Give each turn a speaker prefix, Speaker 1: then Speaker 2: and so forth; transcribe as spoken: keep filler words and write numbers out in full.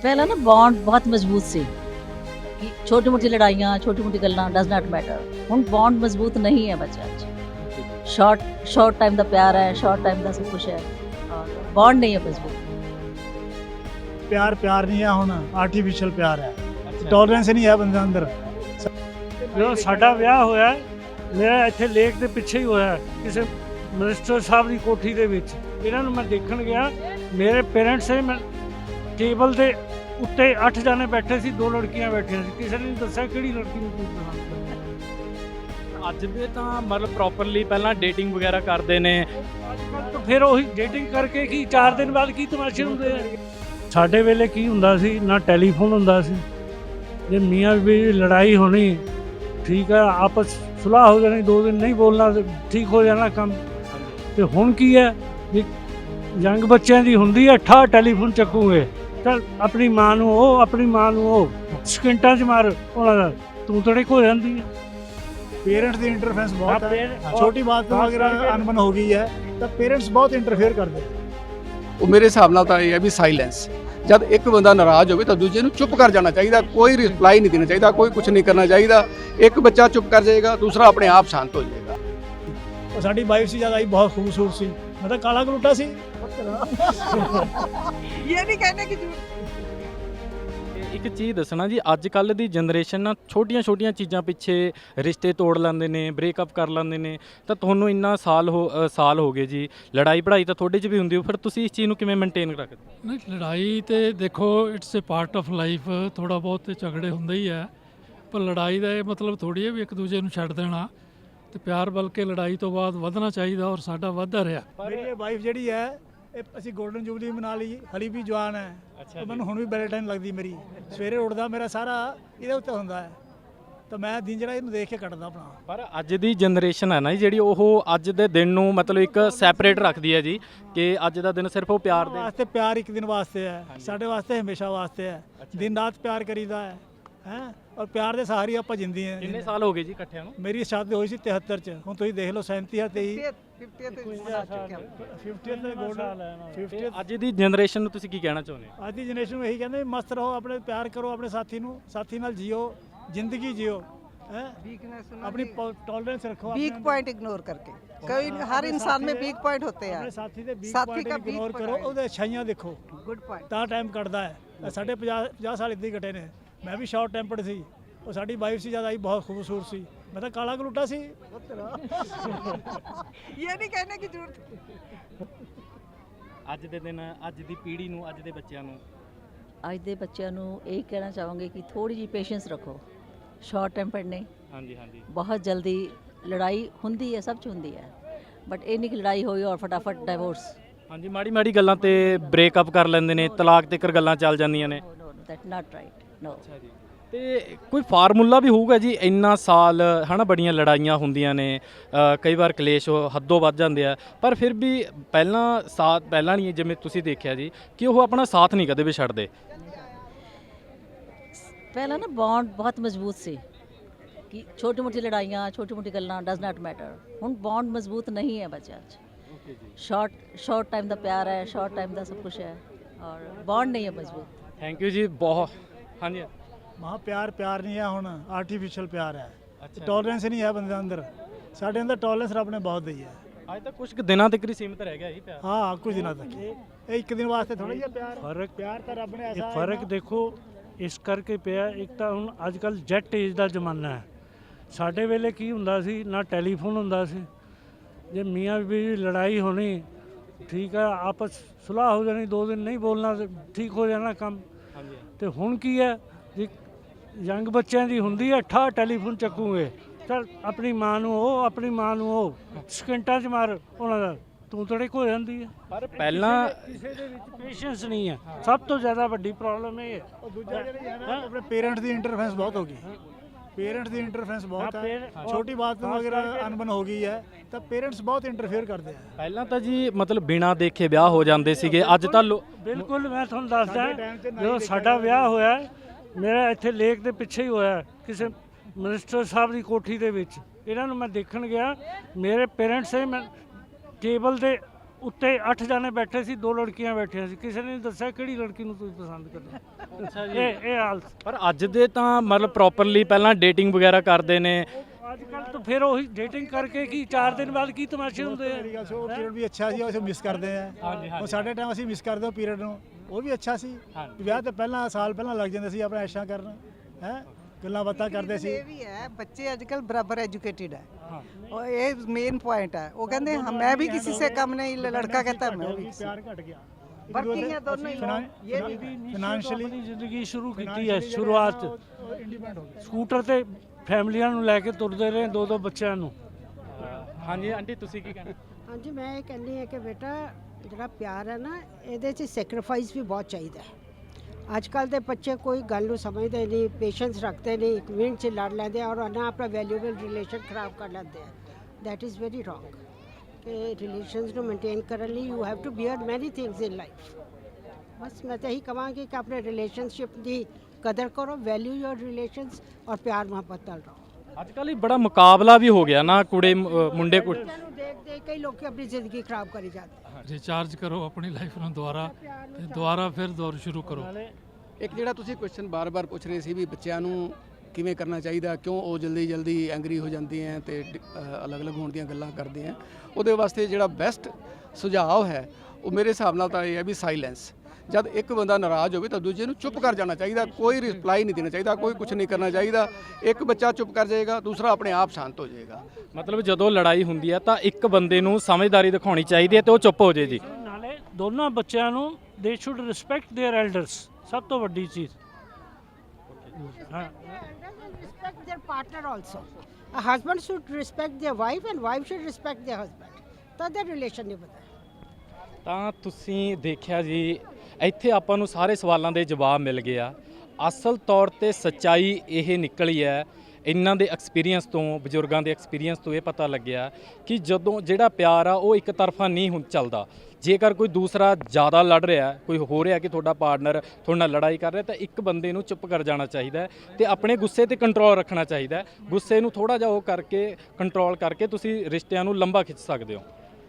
Speaker 1: पहला ना बॉन्ड बहुत मजबूत सी कि छोटी मोटी लड़ाइयाँ छोटी मोटी गल्लां डज नॉट मैटर। हुण बॉन्ड मजबूत नहीं है बच्चों च। शॉर्ट शॉर्ट टाइम का प्यार है, शॉर्ट टाइम का सब कुछ है और बॉन्ड नहीं है मजबूत।
Speaker 2: ਪਿਆਰ ਪਿਆਰ ਨਹੀਂ ਹੈ ਹੁਣ ਆਰਟੀਫੀਸ਼ੀਅਲ ਪਿਆਰ ਹੈ ਟੋਲਰੈਂਸ ਨਹੀਂ ਹੈ ਬੰਦੇ ਅੰਦਰ।
Speaker 3: ਜਦੋਂ ਸਾਡਾ ਵਿਆਹ ਹੋਇਆ ਮੇਰਾ ਇੱਥੇ ਲੇਕ ਦੇ ਪਿੱਛੇ ਹੀ ਹੋਇਆ ਕਿਸੇ ਮਿਨਿਸਟਰ ਸਾਹਿਬ ਦੀ ਕੋਠੀ ਦੇ ਵਿੱਚ। ਇਹਨਾਂ ਨੂੰ ਮੈਂ ਦੇਖਣ ਗਿਆ, ਮੇਰੇ ਪੇਰੈਂਟਸ ਨੇ ਮੈਂ ਟੇਬਲ ਦੇ ਉੱਤੇ ਅੱਠ ਜਾਣੇ ਬੈਠੇ ਸੀ, ਦੋ ਲੜਕੀਆਂ ਬੈਠੀਆਂ ਸੀ, ਕਿਸੇ ਨੇ ਨਹੀਂ ਦੱਸਿਆ ਕਿਹੜੀ ਲੜਕੀ ਨੂੰ ਕੀ ਪਸੰਦ ਹੈ।
Speaker 4: ਅੱਜ ਦੇ ਤਾਂ ਮਤਲਬ ਪ੍ਰੋਪਰਲੀ ਪਹਿਲਾਂ ਡੇਟਿੰਗ ਵਗੈਰਾ ਕਰਦੇ ਨੇ,
Speaker 3: ਅੱਜ ਕੱਲ੍ਹ ਤਾਂ ਫਿਰ ਉਹੀ ਡੇਟਿੰਗ ਕਰਕੇ ਕੀ ਚਾਰ ਦਿਨ ਬਾਅਦ ਕੀ ਤਮਾਸ਼ੇ ਹੁੰਦੇ ਆ। ਸਾਡੇ ਵੇਲੇ ਕੀ ਹੁੰਦਾ ਸੀ, ਨਾ ਟੈਲੀਫੋਨ ਹੁੰਦਾ ਸੀ, ਜੇ ਮੀਆਂ ਬੀਵੀ ਦੀ ਲੜਾਈ ਹੋਣੀ ਠੀਕ ਹੈ ਆਪਸ ਸੁਲਾਹ ਹੋ ਜਾਣੀ, ਦੋ ਦਿਨ ਨਹੀਂ ਬੋਲਣਾ ਤੇ ਠੀਕ ਹੋ ਜਾਣਾ ਕੰਮ। ਤੇ ਹੁਣ ਕੀ ਹੈ ਵੀ ਯੰਗ ਬੱਚਿਆਂ ਦੀ ਹੁੰਦੀ ਹੈ ਠਾ ਟੈਲੀਫੋਨ ਚੱਕੂਗੇ ਚੱਲ ਆਪਣੀ ਮਾਂ ਨੂੰ ਉਹ ਆਪਣੀ ਮਾਂ ਨੂੰ ਉਹ ਸਕਿੰਟਾਂ 'ਚ ਮਾਰ ਉਹਨਾਂ ਦਾ ਤੂੰ ਤੜਕ ਹੋ ਜਾਂਦੀ ਹੈ।
Speaker 2: पेरेंट्स की इंटरफेरेंस बहुत है,
Speaker 3: हाँ,
Speaker 2: छोटी बात में अगर अनबन हो गई है तो पेरेंट्स बहुत इंटरफेयर करते हैं।
Speaker 5: ਉਹ ਮੇਰੇ ਹਿਸਾਬ ਨਾਲ ਤਾਂ ਇਹ ਹੈ ਵੀ ਸਾਇਲੈਂਸ। ਜਦ ਇੱਕ ਬੰਦਾ ਨਾਰਾਜ਼ ਹੋਵੇ ਤਾਂ ਦੂਜੇ ਨੂੰ ਚੁੱਪ ਕਰ ਜਾਣਾ ਚਾਹੀਦਾ, ਕੋਈ ਰਿਪਲਾਈ ਨਹੀਂ ਦੇਣਾ ਚਾਹੀਦਾ, ਕੋਈ ਕੁਝ ਨਹੀਂ ਕਰਨਾ ਚਾਹੀਦਾ। ਇੱਕ ਬੱਚਾ ਚੁੱਪ ਕਰ ਜਾਏਗਾ, ਦੂਸਰਾ ਆਪਣੇ ਆਪ ਸ਼ਾਂਤ ਹੋ ਜਾਏਗਾ।
Speaker 2: ਉਹ ਸਾਡੀ ਵਾਈਫ ਸੀ ਜਦ ਆਈ ਬਹੁਤ ਖੂਬਸੂਰਤ ਸੀ, ਮੈਂ ਤਾਂ ਕਾਲਾ ਗਲੂਟਾ ਸੀ।
Speaker 6: ये नहीं कहने की जरूरत।
Speaker 4: ਇੱਕ ਚੀਜ਼ ਦੱਸਣਾ ਜੀ, ਅੱਜ ਕੱਲ੍ਹ ਦੀ ਜਨਰੇਸ਼ਨ ਨਾ ਛੋਟੀਆਂ ਛੋਟੀਆਂ ਚੀਜ਼ਾਂ ਪਿੱਛੇ ਰਿਸ਼ਤੇ ਤੋੜ ਲੈਂਦੇ ਨੇ, ਬ੍ਰੇਕਅਪ ਕਰ ਲੈਂਦੇ ਨੇ। ਤਾਂ ਤੁਹਾਨੂੰ ਇੰਨਾ ਸਾਲ ਹੋ ਅ, ਸਾਲ ਹੋ ਗਏ ਜੀ, ਲੜਾਈ ਪੜ੍ਹਾਈ ਤਾਂ ਤੁਹਾਡੇ 'ਚ ਵੀ ਹੁੰਦੀ ਹੋ, ਫਿਰ ਤੁਸੀਂ ਇਸ ਚੀਜ਼ ਨੂੰ ਕਿਵੇਂ ਮੇਨਟੇਨ ਰੱਖਦੇ?
Speaker 7: ਨਹੀਂ ਲੜਾਈ ਤੇ ਦੇਖੋ it's a part of life, ਥੋੜਾ ਬਹੁਤ ਤੇ ਝਗੜੇ ਹੁੰਦੇ ਹੀ ਹੈ, ਪਰ ਲੜਾਈ ਦਾ ਇਹ ਮਤਲਬ ਥੋੜੀ ਹੈ ਵੀ ਇੱਕ ਦੂਜੇ ਨੂੰ ਛੱਡ ਦੇਣਾ ਤੇ ਪਿਆਰ ਬਲਕਿ ਲੜਾਈ ਤੋਂ ਬਾਅਦ ਵਧਣਾ ਚਾਹੀਦਾ ਔਰ ਸਾਡਾ ਵੱਧਦਾ ਰਿਹਾ।
Speaker 2: ਮੇਰੀ ਇਹ ਵਾਈਫ ਜਿਹੜੀ ਹੈ ਇਹ ਅਸੀਂ ਗੋਲਡਨ ਜੁਬਲੀ ਮਨਾ ਲਈ, ਹਲੀ ਵੀ ਜਵਾਨ ਹੈ, ਤੇ ਮੈਨੂੰ ਹੁਣ ਵੀ ਬੈਲਟਾਈਨ ਲੱਗਦੀ ਮੇਰੀ। ਸਵੇਰੇ ਉੱਠਦਾ ਮੇਰਾ ਸਾਰਾ ਇਹਦੇ ਉੱਤੇ ਹੁੰਦਾ ਹੈ, ਤਾਂ ਮੈਂ ਦਿਨ ਜਿਹੜਾ ਇਹਨੂੰ ਦੇਖ ਕੇ ਕੱਟਦਾ ਆਪਣਾ।
Speaker 4: ਪਰ ਅੱਜ ਦੀ ਜਨਰੇਸ਼ਨ ਹੈ ਨਾ ਜੀ ਜਿਹੜੀ, ਉਹ ਅੱਜ ਦੇ ਦਿਨ ਨੂੰ ਮਤਲਬ ਇੱਕ ਸੈਪਰੇਟ ਰੱਖਦੀ ਹੈ ਜੀ, ਕਿ ਅੱਜ ਦਾ ਦਿਨ ਸਿਰਫ ਉਹ ਪਿਆਰ ਦੇ
Speaker 2: ਵਾਸਤੇ ਪਿਆਰ ਇੱਕ ਦਿਨ ਵਾਸਤੇ ਹੈ, ਸਾਡੇ ਵਾਸਤੇ ਹਮੇਸ਼ਾ ਵਾਸਤੇ ਹੈ। ਦਿਨ ਰਾਤ ਪਿਆਰ ਕਰੀਦਾ ਹੈ ਹੈ ਔਰ ਪਿਆਰ ਦੇ ਸਹਾਰੇ ਆਪਾਂ ਜਿੰਦੇ ਹਾਂ।
Speaker 4: ਕਿੰਨੇ ਸਾਲ ਹੋ ਗਏ ਜੀ ਇਕੱਠਿਆਂ ਨੂੰ?
Speaker 2: ਮੇਰੀ ਸ਼ਾਦੀ ਹੋਈ ਸੀ ਤਿਹੱਤਰ ਚ, ਹੁਣ ਤੁਸੀਂ ਦੇਖ ਲਓ ਸੈਂਤੀ ਆ ਤੇਈ
Speaker 6: फिफ्टी
Speaker 2: ਫਿਫਟੀ ਤੇ ਗੋਲਡਨ ਫਿਫਟੀ।
Speaker 4: ਅੱਜ ਦੀ ਜਨਰੇਸ਼ਨ ਨੂੰ ਤੁਸੀਂ ਕੀ ਕਹਿਣਾ ਚਾਹੁੰਦੇ ਹੋ?
Speaker 2: ਅੱਜ ਦੀ ਜਨਰੇਸ਼ਨ ਨੂੰ ਇਹੀ ਕਹਿੰਦੇ ਵੀ ਮਸਤ ਰਹੋ, ਆਪਣੇ ਪਿਆਰ ਕਰੋ ਆਪਣੇ ਸਾਥੀ ਨੂੰ, ਸਾਥੀ ਨਾਲ ਜੀਓ, ਜ਼ਿੰਦਗੀ ਜੀਓ ਹੈ, अपनी टॉलरेंस रखो,
Speaker 6: वीक पॉइंट इग्नोर करके। कोई हर इंसान में वीक पॉइंट होते हैं,
Speaker 2: ਆਪਣੇ ਸਾਥੀ ਦੇ ਵੀਕ
Speaker 6: ਸਾਥੀ
Speaker 2: ਪੁਆਇੰਟ
Speaker 6: ਦਾ
Speaker 2: ਇਗਨੋਰ
Speaker 6: weak
Speaker 2: ਕਰੋ,
Speaker 6: point
Speaker 2: ਉਹਦੇ ਅੱਛਾਈਆਂ ਦੇਖੋ,
Speaker 6: गुड पॉइंट।
Speaker 2: ਤਾਂ ਟਾਈਮ ਕੱਢਦਾ ਹੈ। ਸਾਡੇ ਪੰਜਾਹ ਪੰਜਾਹ ਸਾਲ ਇੱਦਾਂ ਹੀ ਕੱਟੇ ਨੇ। ਮੈਂ ਵੀ ਸ਼ਾਰਟ ਟੈਂਪਰਡ ਸੀ, ਉਹ ਸਾਡੀ ਵਾਈਫ ਸੀ ਜਦ ਆਈ ਬਹੁਤ ਖੂਬਸੂਰਤ ਸੀ, ਮੈਂ ਤਾਂ ਕਾਲਾ ਗਲੂਟਾ ਸੀ।
Speaker 6: ये नहीं कहने की जरूरत।
Speaker 4: ਅੱਜ ਦੇ ਦਿਨ ਅੱਜ ਦੀ ਪੀੜ੍ਹੀ ਨੂੰ, ਅੱਜ ਦੇ ਬੱਚਿਆਂ ਨੂੰ
Speaker 1: ਅੱਜ ਦੇ ਬੱਚਿਆਂ ਨੂੰ ਇਹ ਕਹਿਣਾ ਚਾਹਾਂਗੇ ਕਿ ਥੋੜੀ ਜਿਹੀ ਪੇਸ਼ੈਂਸ ਰੱਖੋ, ਸ਼ਾਰਟ ਟੈਂਪਰਡ ਨਹੀਂ।
Speaker 4: ਹਾਂਜੀ ਹਾਂਜੀ
Speaker 1: ਬਹੁਤ ਜਲਦੀ ਲੜਾਈ ਹੁੰਦੀ ਹੈ, ਸਭ 'ਚ ਹੁੰਦੀ ਹੈ, ਬਟ ਇਹ ਨਹੀਂ ਕਿ ਲੜਾਈ ਹੋਈ ਔਰ ਫਟਾਫਟ ਡਾਈਵੋਰਸ।
Speaker 4: ਹਾਂਜੀ ਮਾੜੀ ਮਾੜੀ ਗੱਲਾਂ ਤੇ ਬ੍ਰੇਕਅਪ ਕਰ ਲੈਂਦੇ ਨੇ, ਤਲਾਕ ਤੱਕ ਗੱਲਾਂ ਚੱਲ ਜਾਂਦੀਆਂ ਨੇ।
Speaker 1: No no that not right no.
Speaker 4: ਅੱਛਾ ਜੀ, ਤੇ ਕੋਈ ਫਾਰਮੂਲਾ ਵੀ ਹੋਊਗਾ ਜੀ? ਇੰਨਾ ਸਾਲ ਹਨਾ ਬੜੀਆਂ ਲੜਾਈਆਂ ਹੁੰਦੀਆਂ ਨੇ, ਅ, ਕਈ ਵਾਰ ਕਲੇਸ਼ ਹੱਦੋਂ ਵੱਧ ਜਾਂਦੇ ਆ, ਪਰ ਫਿਰ ਵੀ ਪਹਿਲਾਂ ਸਾਥ ਪਹਿਲਾਂ ਨਹੀਂ, ਜਿਵੇਂ ਤੁਸੀਂ ਦੇਖਿਆ ਜੀ ਕਿ ਉਹ ਆਪਣਾ ਸਾਥ ਨਹੀਂ ਕਦੇ ਵੀ ਛੱਡਦੇ।
Speaker 1: ਪਹਿਲਾਂ ਨਾ ਬੌਂਡ ਬਹੁਤ ਮਜ਼ਬੂਤ ਸੀ ਕਿ ਛੋਟੀ ਮੋਟੀ ਲੜਾਈਆਂ ਛੋਟੀ ਮੋਟੀ ਗੱਲਾਂ ਡਜ਼ ਨਾਟ ਮੈਟਰ। ਹੁਣ ਬੌਂਡ ਮਜ਼ਬੂਤ ਨਹੀਂ ਹੈ ਬੱਚਿਆਂ 'ਚ। ਸ਼ਾਰਟ ਸ਼ਾਰਟ ਟਾਈਮ ਦਾ ਪਿਆਰ ਹੈ, ਸ਼ਾਰਟ ਟਾਈਮ ਦਾ ਸਭ ਕੁਝ ਹੈ ਔਰ ਬੌਂਡ ਨਹੀਂ ਹੈ ਮਜ਼ਬੂਤ।
Speaker 4: ਥੈਂਕ ਯੂ ਜੀ ਬਹੁਤ। ਹਾਂਜੀ
Speaker 2: ਮਹਾ ਪਿਆਰ ਪਿਆਰ ਨਹੀਂ ਹੈ ਹੁਣ ਆਰਟੀਫੀਸ਼ੀਅਲ ਪਿਆਰ ਹੈ, ਟੋਲਰੈਂਸ ਨਹੀਂ ਹੈ ਬੰਦੇ ਅੰਦਰ। ਸਾਡੇ ਅੰਦਰ ਟੋਲਰੈਂਸ ਰੱਬ ਨੇ ਬਹੁਤ ਦਈ ਹੈ।
Speaker 4: ਅੱਜ ਤਾਂ ਕੁਝ ਕੁ ਦਿਨਾਂ ਤੱਕ ਹੀ ਸੀਮਿਤ ਰਹਿ ਗਿਆ ਜੀ ਪਿਆਰ।
Speaker 2: ਹਾਂ ਕੁਝ ਦਿਨਾਂ ਤੱਕ ਇਹ ਇੱਕ ਦਿਨ ਵਾਸਤੇ ਥੋੜਾ ਜਿਹਾ ਪਿਆਰ
Speaker 3: ਫਰਕ
Speaker 2: ਪਿਆਰ ਤਾਂ ਰੱਬ ਨੇ
Speaker 3: ਇਹ
Speaker 2: ਐਸਾ
Speaker 3: ਫਰਕ ਦੇਖੋ ਇਸ ਕਰਕੇ ਪਿਆ, ਇੱਕ ਤਾਂ ਹੁਣ ਅੱਜ ਕੱਲ੍ਹ ਜੈਟ ਏਜ ਦਾ ਜ਼ਮਾਨਾ ਹੈ। ਸਾਡੇ ਵੇਲੇ ਕੀ ਹੁੰਦਾ ਸੀ, ਨਾ ਟੈਲੀਫੋਨ ਹੁੰਦਾ ਸੀ, ਜੇ ਮੀਆਂ ਬੀਵੀ ਦੀ ਲੜਾਈ ਹੋਣੀ ਠੀਕ ਹੈ ਆਪਸ ਸੁਲਾਹ ਹੋ ਜਾਣੀ, ਦੋ ਦਿਨ ਨਹੀਂ ਬੋਲਣਾ ਤੇ ਠੀਕ ਹੋ ਜਾਣਾ ਕੰਮ।
Speaker 4: ਹਾਂਜੀ
Speaker 3: ਤੇ ਹੁਣ ਕੀ ਹੈ ਜੀ ਯੰਗ ਬੱਚਿਆਂ ਦੀ ਹੁੰਦੀ ਹੈ ਠਾ ਟੈਲੀਫੋਨ ਚੱਕੂਗੇ ਚੱਲ ਆਪਣੀ ਮਾਂ ਨੂੰ ਉਹ ਆਪਣੀ ਮਾਂ ਨੂੰ ਉਹ ਸਕਿੰਟਾਂ 'ਚ ਮਾਰ ਉਹਨਾਂ ਦਾ ਤੂੰ ਤੜਕ ਹੋ ਜਾਂਦੀ ਹੈ।
Speaker 4: ਪਰ ਪਹਿਲਾਂ
Speaker 3: ਕਿਸੇ ਦੇ ਵਿੱਚ ਪੇਸ਼ੈਂਸ ਨਹੀਂ ਹੈ, ਸਭ ਤੋਂ ਜ਼ਿਆਦਾ ਵੱਡੀ ਪ੍ਰੋਬਲਮ ਇਹ ਹੈ।
Speaker 2: ਉਹ ਦੂਜਾ ਜਿਹੜੀ ਹੈ ਨਾ ਆਪਣੇ ਪੇਰੈਂਟਸ ਦੀ ਇੰਟਰਫੇरेंस ਬਹੁਤ ਹੋ ਗਈ। पेरेंट्स की इंटरफेरेंस बहुत है, छोटी बात में अगर अनबन हो गई है तो पेरेंट्स बहुत इंटरफेयर करते हैं।
Speaker 4: ਪਹਿਲਾਂ ਤਾਂ ਜੀ ਮਤਲਬ ਬਿਨਾਂ ਦੇਖੇ ਵਿਆਹ ਹੋ ਜਾਂਦੇ ਸੀਗੇ, ਅੱਜ ਤਾਂ ਲੋ-
Speaker 3: ਬਿਲਕੁਲ ਮੈਂ ਤੁਹਾਨੂੰ ਦੱਸਦਾ ਜਦੋਂ ਸਾਡਾ ਵਿਆਹ ਹੋਇਆ ਮੇਰਾ ਇੱਥੇ ਲੇਕ ਦੇ ਪਿੱਛੇ ਹੀ ਹੋਇਆ ਕਿਸੇ ਮਿਨਿਸਟਰ ਸਾਹਿਬ ਦੀ ਕੋਠੀ ਦੇ ਵਿੱਚ। ਇਹਨਾਂ ਨੂੰ ਮੈਂ ਦੇਖਣ ਗਿਆ, ਮੇਰੇ ਪੇਰੈਂਟਸ ਨੇ ਮੈਂ ਟੇਬਲ ਦੇ ਉੱਤੇ ਅੱਠ ਜਾਣੇ ਬੈਠੇ ਸੀ, ਦੋ ਲੜਕੀਆਂ ਬੈਠੀਆਂ ਸੀ, ਕਿਸੇ ਨੇ ਨਹੀਂ ਦੱਸਿਆ ਕਿਹੜੀ ਲੜਕੀ ਨੂੰ ਤੁਸੀਂ ਪਸੰਦ ਕਰਨਾ।
Speaker 4: ਅੱਛਾ
Speaker 3: ਇਹ ਇਹ ਹਾਲ ਸੀ।
Speaker 4: ਪਰ ਅੱਜ ਦੇ ਤਾਂ ਮਤਲਬ ਪ੍ਰੋਪਰਲੀ ਪਹਿਲਾਂ ਡੇਟਿੰਗ ਵਗੈਰਾ ਕਰਦੇ ਨੇ।
Speaker 3: ਅੱਜ ਕੱਲ੍ਹ ਤਾਂ ਫਿਰ ਉਹੀ ਡੇਟਿੰਗ ਕਰਕੇ ਕੀ ਚਾਰ ਦਿਨ ਬਾਅਦ ਕੀ ਤਮਾਸ਼ੇ ਹੁੰਦੇ ਆ।
Speaker 2: ਮੇਰੀ ਗੱਲ ਸੁਣੋ, ਉਹ ਪੀਰੀਅਡ ਵੀ ਅੱਛਾ ਸੀ, ਉਹ ਮਿਸ ਕਰਦੇ ਆ। ਉਹ ਸਾਡੇ ਟਾਈਮ ਅਸੀਂ ਮਿਸ ਕਰਦੇ ਉਹ ਪੀਰੀਅਡ ਨੂੰ, ਉਹ ਵੀ ਅੱਛਾ ਸੀ। ਵਿਆਹ ਤੋਂ ਪਹਿਲਾਂ ਸਾਲ ਪਹਿਲਾਂ ਲੱਗ ਜਾਂਦੇ ਸੀ ਆਪਣਾ ਐਸ਼ਾਂ ਕਰਨ, ਹੈ ਗੱਲਾਂ ਬਾਤਾਂ ਕਰਦੇ ਸੀ।
Speaker 6: ਇਹ ਵੀ ਹੈ ਬੱਚੇ आजकल बराबर एजुकेटेड है और ये मेन पॉइंट है। वो कहते हैं मैं भी किसी से कम नहीं, लड़का कहता है मैं भी किसी
Speaker 2: ਪਿਆਰ ਘਟ ਗਿਆ।
Speaker 6: वर्किंग है दोनों ही लोग। ये भी
Speaker 2: ਫਾਈਨੈਂਸ਼ੀਅਲੀ
Speaker 3: ਆਪਣੀ ਜ਼ਿੰਦਗੀ ਸ਼ੁਰੂ ਕੀਤੀ ਹੈ ਸ਼ੁਰੂਆਤ 'ਚ।
Speaker 2: ਇੰਡੀਪੈਂਡੈਂਟ ਹੋ ਗਏ।
Speaker 3: ਸਕੂਟਰ ਤੇ ਫੈਮਲੀਆਂ ਨੂੰ ਲੈ ਕੇ ਤੁਰਦੇ ਰਹੇ, ਦੋ ਦੋ ਬੱਚਿਆਂ ਨੂੰ।
Speaker 4: ਹਾਂਜੀ ਆਂਟੀ ਤੁਸੀਂ ਕੀ ਕਹਿਣਾ?
Speaker 8: ਹਾਂਜੀ ਮੈਂ ਇਹ ਕਹਿੰਦੀ ਹਾਂ ਕਿ ਬੇਟਾ ਜਿਹੜਾ ਪਿਆਰ ਹੈ ਨਾ ਇਹਦੇ 'ਚ ਸੈਕਰੀਫਾਈਸ ਵੀ ਬਹੁਤ ਚਾਹੀਦਾ ਹੈ। ਅੱਜ ਕੱਲ੍ਹ ਦੇ ਬੱਚੇ ਕੋਈ ਗੱਲ ਨੂੰ ਸਮਝਦੇ ਨਹੀਂ, ਪੇਸ਼ੈਂਸ ਰੱਖਦੇ ਨਹੀਂ, ਇੱਕ ਮਿੰਟ 'ਚ ਲੜ ਲੈਂਦੇ ਆ ਔਰ ਨਾ ਆਪਣਾ ਵੈਲਿਊਬਲ ਰਿਲੇਸ਼ਨ ਖਰਾਬ ਕਰ ਲੈਂਦੇ ਆ। ਦੈਟ ਇਜ਼ ਵੈਰੀ ਰੋਂਗ ਕਿ ਰਿਲੇਸ਼ਨਸ ਨੂੰ ਮੇਨਟੇਨ ਕਰਨ ਲਈ you have to bear many things in life. ਬਸ ਮੈਂ ਤਾਂ ਇਹੀ ਕਹਾਂਗੀ ਕਿ ਆਪਣੇ ਰਿਲੇਸ਼ਨਸ਼ਿਪ ਦੀ ਕਦਰ ਕਰੋ, ਵੈਲਿਊ ਯੋਰ ਰਿਲੇਸ਼ਨਸ ਔਰ ਪਿਆਰ ਮੁਹੱਬਤ ਨਾਲ ਰਹੋ।
Speaker 4: ਅੱਜ ਕੱਲ੍ਹ ਹੀ ਬੜਾ ਮੁਕਾਬਲਾ ਵੀ ਹੋ ਗਿਆ ਨਾ, ਕੁੜੇ ਮ- ਮੁੰਡੇ ਕੁੜੇ।
Speaker 8: ਬੱਚਿਆਂ ਨੂੰ ਦੇਖ ਦੇਖ ਕਈ ਲੋਕ ਆਪਣੀ ਜ਼ਿੰਦਗੀ ਖਰਾਬ ਕਰੀ ਜਾਂਦੇ।
Speaker 7: ਰਿਚਾਰਜ ਕਰੋ ਆਪਣੀ ਲਾਈਫ ਨੂੰ ਦੁਬਾਰਾ ਤੇ ਦੁਬਾਰਾ ਫਿਰ ਦੌਰ ਸ਼ੁਰੂ ਕਰੋ।
Speaker 5: ਇੱਕ ਜਿਹੜਾ ਤੁਸੀਂ ਕੁਐਸਚਨ ਬਾਰ-ਬਾਰ ਪੁੱਛ ਰਹੇ ਸੀ ਵੀ ਬੱਚਿਆਂ ਨੂੰ ਕਿਵੇਂ ਕਰਨਾ ਚਾਹੀਦਾ, ਕਿਉਂ ਉਹ ਜਲਦੀ ਜਲਦੀ ਐਂਗਰੀ ਹੋ ਜਾਂਦੇ ਹੈ ਤੇ ਡ- ਅ, ਅਲੱਗ-ਅਲੱਗ ਹੋਣ ਦੀਆਂ ਗੱਲਾਂ ਕਰਦੇ ਆ, ਉਹਦੇ ਵਾਸਤੇ ਜਿਹੜਾ ਬੈਸਟ ਸੁਝਾਅ ਹੈ ਉਹ ਮੇਰੇ ਹਿਸਾਬ ਨਾਲ ਤਾਂ ਇਹ ਹੈ ਵੀ ਸਾਇਲੈਂਸ। ਜਦ ਇੱਕ ਬੰਦਾ ਨਾਰਾਜ਼ ਹੋਵੇ ਤਾਂ ਦੂਜੇ ਨੂੰ ਚੁੱਪ ਕਰ ਜਾਣਾ ਚਾਹੀਦਾ, ਕੋਈ ਰਿਪਲਾਈ ਨਹੀਂ ਦੇਣਾ ਚਾਹੀਦਾ, ਕੋਈ ਕੁਝ ਨਹੀਂ ਕਰਨਾ ਚਾਹੀਦਾ। ਇੱਕ ਬੱਚਾ ਚੁੱਪ ਕਰ ਜਾਏਗਾ, ਦੂਸਰਾ ਆਪਣੇ ਆਪ ਸ਼ਾਂਤ ਹੋ ਜਾਏਗਾ।
Speaker 4: ਮਤਲਬ ਜਦੋਂ ਲੜਾਈ ਹੁੰਦੀ ਹੈ ਤਾਂ ਇੱਕ ਬੰਦੇ ਨੂੰ ਸਮਝਦਾਰੀ ਦਿਖਾਉਣੀ ਚਾਹੀਦੀ ਹੈ ਤੇ ਉਹ ਚੁੱਪ ਹੋ ਜੇ ਜੀ।
Speaker 3: ਨਾਲੇ ਦੋਨਾਂ ਬੱਚਿਆਂ ਨੂੰ ਦੇ ਸ਼ੁੱਡ ਰਿਸਪੈਕਟ देयर ਐਲਡਰਸ, ਸਭ ਤੋਂ ਵੱਡੀ ਚੀਜ਼। ਹਾਂ
Speaker 8: Respect their partner also. A husband should respect their wife and wife should respect their husband. ਤਾਂ ਦਾ ਰਿਲੇਸ਼ਨ ਨਹੀਂ ਬਣਦਾ।
Speaker 4: ਤਾਂ ਤੁਸੀਂ ਦੇਖਿਆ ਜੀ, ਇੱਥੇ ਆਪਾਂ ਨੂੰ ਸਾਰੇ ਸਵਾਲਾਂ ਦੇ ਜਵਾਬ ਮਿਲ ਗਏ ਆ। ਅਸਲ ਤੌਰ ਤੇ ਸੱਚਾਈ ਇਹ ਨਿਕਲੀ ਹੈ ਇਹਨਾਂ ਦੇ ਐਕਸਪੀਰੀਅੰਸ ਤੋਂ, ਬਜ਼ੁਰਗਾਂ ਦੇ ਐਕਸਪੀਰੀਅੰਸ ਤੋਂ ਇਹ ਪਤਾ ਲੱਗਿਆ ਕਿ ਜਦੋਂ ਜਿਹੜਾ ਪਿਆਰ ਆ ਉਹ ਇੱਕ ਤਰਫਾ ਨਹੀਂ ਹੁਣ ਚੱਲਦਾ। ਜੇਕਰ ਕੋਈ ਦੂਸਰਾ ਜ਼ਿਆਦਾ ਲੜ ਰਿਹਾ, ਕੋਈ ਹੋ ਰਿਹਾ ਕਿ ਤੁਹਾਡਾ ਪਾਰਟਨਰ ਤੁਹਾਡੇ ਨਾਲ ਲੜਾਈ ਕਰ ਰਿਹਾ, ਤਾਂ ਇੱਕ ਬੰਦੇ ਨੂੰ ਚੁੱਪ ਕਰ ਜਾਣਾ ਚਾਹੀਦਾ ਹੈ ਤੇ ਆਪਣੇ ਗੁੱਸੇ ਤੇ ਕੰਟਰੋਲ ਰੱਖਣਾ ਚਾਹੀਦਾ ਹੈ। ਗੁੱਸੇ ਨੂੰ ਥੋੜਾ ਜਿਹਾ ਉਹ ਕਰਕੇ ਕੰਟਰੋਲ ਕਰਕੇ ਤੁਸੀਂ ਰਿਸ਼ਤਿਆਂ ਨੂੰ ਲੰਬਾ ਖਿੱਚ ਸਕਦੇ ਹੋ।